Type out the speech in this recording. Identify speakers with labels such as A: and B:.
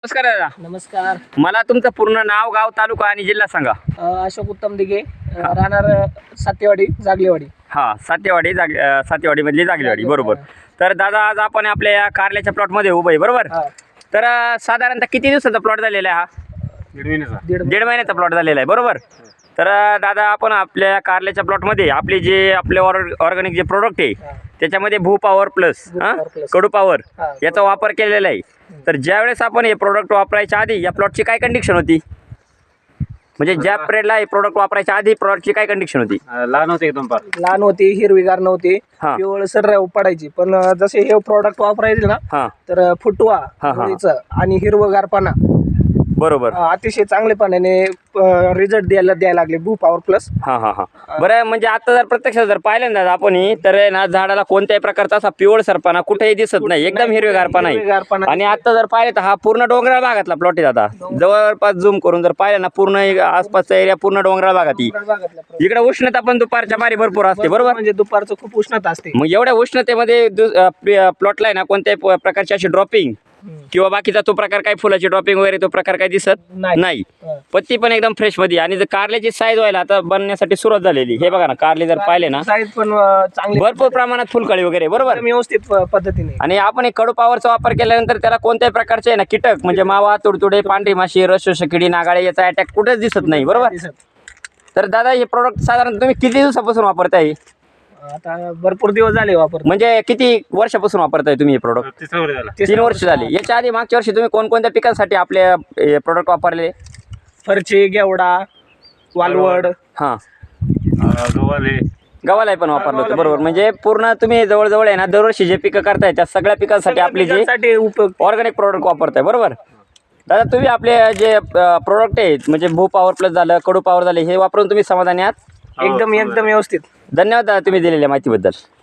A: नमस्कार दादा.
B: नमस्कार.
A: मला तुमचं पूर्ण नाव, गाव, तालुका आणि जिल्हा सांगा.
B: अशोक उत्तम दिघे, राहणार सातेवाडी, जागलेवाडी.
A: हा, सातेवाडी मधली जागलेवाडी, बरोबर. तर दादा, आज आपण आपल्या या कारल्याच्या प्लॉटमध्ये उभं आहे, बरोबर. तर साधारणतः किती दिवसाचा प्लॉट झालेला आहे हा? दीड महिन्याचा प्लॉट झालेला आहे, बरोबर. तर दादा, आपण आपल्या कारल्याच्या प्लॉटमध्ये आपले जे आपले ऑर्गॅनिक जे प्रोडक्ट आहे त्याच्यामध्ये भू पॉवर प्लस कडू पॉवर याचा वापर केलेला आहे. तर ज्यावेळेस आपण हे प्रोडक्ट वापरायच्या आधी या प्लॉटची काय कंडिशन होती, म्हणजे ज्या पिरियडला हे प्रोडक्ट वापरायच्या आधी प्लॉटची काय कंडिशन होती?
B: लहान होते, एकदम लहान होती, हिरवीगार नव्हती, पिवळ सर पडायची. पण जसे हे प्रोडक्ट वापरायचे ना, तर फुटवा आणि हिरवगारपणा,
A: बरोबर,
B: अतिशय चांगले पाण्याने रिझल्ट द्यायला लागले भू पॉवर प्लस.
A: बरं. म्हणजे आता जर प्रत्यक्षात जर पाहिलं ना आपण, तर ना झाडाला कोणत्याही प्रकारचा असा पिवळ सरपणा कुठेही दिसत नाही, एकदम हिरवेगारपणा आहे. आणि आता जर पाहिलं तर हा पूर्ण डोंगराळ भागातला प्लॉट आहे दादा. जवळपास झूम करून जर पाहिलं ना, पूर्ण आसपासचा एरिया पूर्ण डोंगराळ भागात आहे. इकडे उष्णता पण दुपारच्या बारी भरपूर असते, बरोबर.
B: म्हणजे दुपारचं खूप उष्णता असते.
A: मग एवढ्या उष्णतेमध्ये प्लॉटला आहे ना कोणत्याही प्रकारची अशी ड्रॉपिंग किंवा बाकीचा तो प्रकार काही फुलाची ड्रॉपिंग वगैरे तो प्रकार काही दिसत नाही. पत्ती पण एकदम फ्रेश मध्ये. आणि जर कारल्याची साईज व्हायला आता बनण्यासाठी सुरुवात झालेली. हे बघा ना, कारले जर पाहिले ना,
B: साईज पण चांगली,
A: भरपूर प्रमाणात फुलकळी वगैरे, बरोबर,
B: व्यवस्थित पद्धतीने.
A: आणि आपण एक कडू पॉवरचा वापर केल्यानंतर त्याला कोणत्याही प्रकारचे आहे ना कीटक म्हणजे मावा, तुडतुडे, पांढरी माशी, रसशोषक किडी, नागाळे याचा अटॅक कुठेच दिसत नाही, बरोबर. तर दादा, हे प्रोडक्ट साधारण तुम्ही किती दिवसापासून वापरताय?
B: आता भरपूर दिवस झाले वापर.
A: म्हणजे किती वर्षापासून वापरताय तुम्ही हे प्रोडक्ट? 3 वर्ष झाली. याच्या आधी मागच्या वर्षी तुम्ही कोणकोणत्या पिकांसाठी आपले प्रोडक्ट वापरले?
B: फरची, गेवडा, वालवड,
A: गव्हाला पण वापरलं होतं, बरोबर. म्हणजे पूर्ण तुम्ही जवळजवळ आहे ना दरवर्षी जे पिकं करताय त्या सगळ्या पिकांसाठी आपली जे ऑर्गॅनिक प्रोडक्ट वापरताय, बरोबर. दादा, तुम्ही आपले जे प्रोडक्ट आहेत म्हणजे भू पॉवर प्लस झालं, कडू पॉवर झाले, हे वापरून तुम्ही समाधानी आहात?
B: एकदम व्यवस्थित.
A: धन्यवाद दादा, तुम्ही दिलेल्या माहितीबद्दल.